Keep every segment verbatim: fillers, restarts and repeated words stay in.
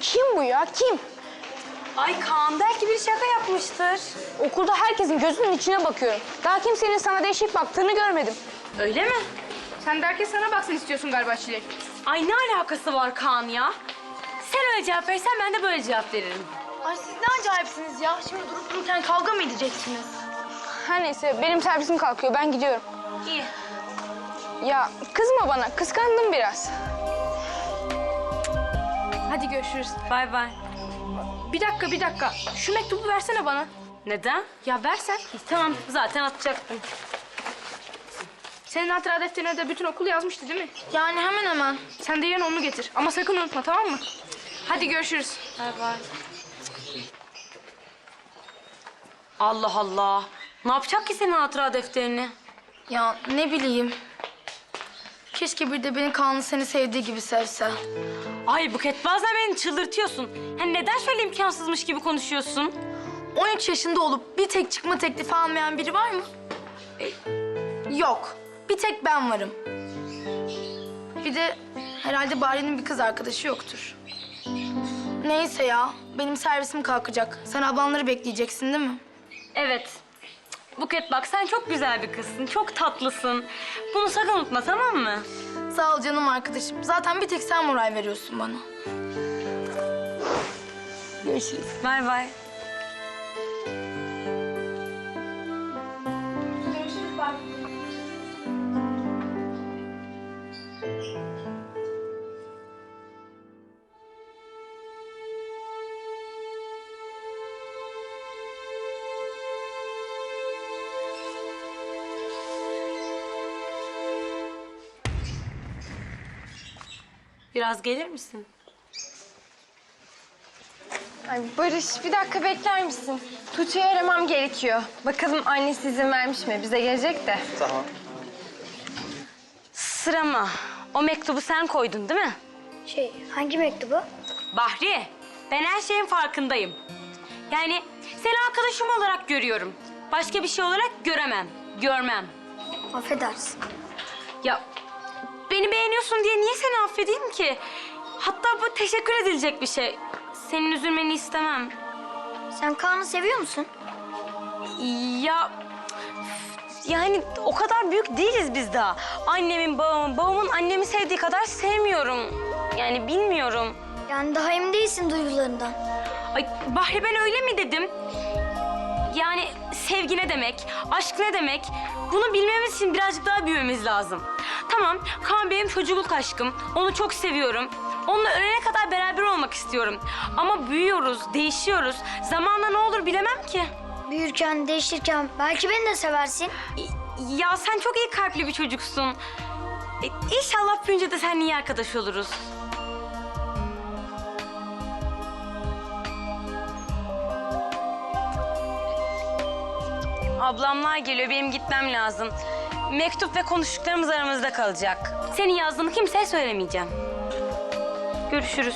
Kim bu ya, kim? Ay Kaan belki bir şaka yapmıştır. Okulda herkesin gözünün içine bakıyorum. Daha kimsenin sana değişik baktığını görmedim. Öyle mi? Sen de herkes sana baksın istiyorsun galiba Çilek. Ay ne alakası var Kaan ya? Sen öyle cevap verirsen ben de böyle cevap veririm. Ay siz ne acayipsiniz ya. Şimdi durup dururken kavga mı edeceksiniz? Her neyse, benim servisim kalkıyor, ben gidiyorum. İyi. Ya kızma bana, kıskandım biraz. Hadi görüşürüz. Bay bay. Bir dakika, bir dakika. Şu mektubu versene bana. Neden? Ya versen. Tamam zaten atacaktım. Senin hatıra defterine de bütün okul yazmıştı değil mi? Yani hemen hemen. Sen de yarın onu getir. Ama sakın unutma, tamam mı? Hadi görüşürüz. Bay bay. Allah Allah. Ne yapacak ki senin hatıra defterini? Ya ne bileyim. Keşke bir de beni Kaan'ın seni sevdiği gibi sevse. Ay Buket bazen beni çıldırtıyorsun. Hani neden şöyle imkansızmış gibi konuşuyorsun? on üç yaşında olup bir tek çıkma teklifi almayan biri var mı? E, yok. Bir tek ben varım. Bir de herhalde Bari'nin bir kız arkadaşı yoktur. Neyse ya, benim servisim kalkacak. Sen ablanları bekleyeceksin değil mi? Evet. Buket bak sen çok güzel bir kızsın. Çok tatlısın. Bunu sakın unutma tamam mı? Sağ ol canım arkadaşım. Zaten bir tek sen moral veriyorsun bana. Görüşürüz. Bay bay. Görüşürüz bak. Biraz gelir misin? Ay Barış, bir dakika bekler misin? Tuğçe'yi aramam gerekiyor. Bakalım annesi izin vermiş mi? Bize gelecek de. Tamam. Sırama. O mektubu sen koydun değil mi? Şey, hangi mektubu? Bahri, ben her şeyin farkındayım. Yani seni arkadaşım olarak görüyorum. Başka bir şey olarak göremem, görmem. Affedersin. Ya beni beğeniyorsun diye niye seni affedeyim ki? Hatta bu teşekkür edilecek bir şey. Senin üzülmeni istemem. Sen Kaan'ı seviyor musun? Ya yani o kadar büyük değiliz biz daha. Annemin, babamın, babamın annemi sevdiği kadar sevmiyorum. Yani bilmiyorum. Yani daha emin değilsin duygularından. Ay Bahri ben öyle mi dedim? Yani sevgi ne demek, aşk ne demek? Bunu bilmemiz için birazcık daha büyümemiz lazım. Tamam, Kaan benim çocukluk aşkım. Onu çok seviyorum. Onunla ölene kadar beraber olmak istiyorum. Ama büyüyoruz, değişiyoruz. Zamanla ne olur bilemem ki. Büyürken, değişirken belki beni de seversin. Ya sen çok iyi kalpli bir çocuksun. E, İnşallah büyünce de seninle iyi arkadaş oluruz. Ablamlar geliyor, benim gitmem lazım. Mektup ve konuştuklarımız aramızda kalacak. Senin yazdığını kimseye söylemeyeceğim. Görüşürüz.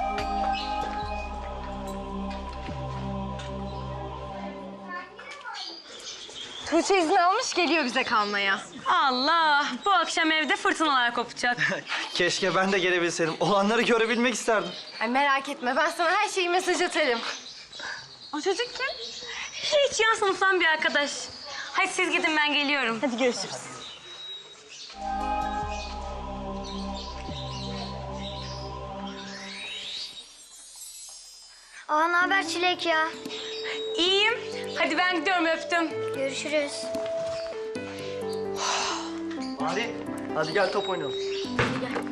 Tuğçe izin almış, geliyor bize kalmaya. Allah, bu akşam evde fırtınalar kopacak. Keşke ben de gelebilseydim. Olanları görebilmek isterdim. Ay merak etme, ben sana her şeyi mesaj atarım. O çocuk kim? Hiç yan sınıftan bir arkadaş. Hadi siz gidin, ben geliyorum. Hadi görüşürüz. Aa, ne haber Çilek ya? İyiyim. Hadi ben gidiyorum, öptüm. Görüşürüz. Hadi, hadi gel top oynayalım.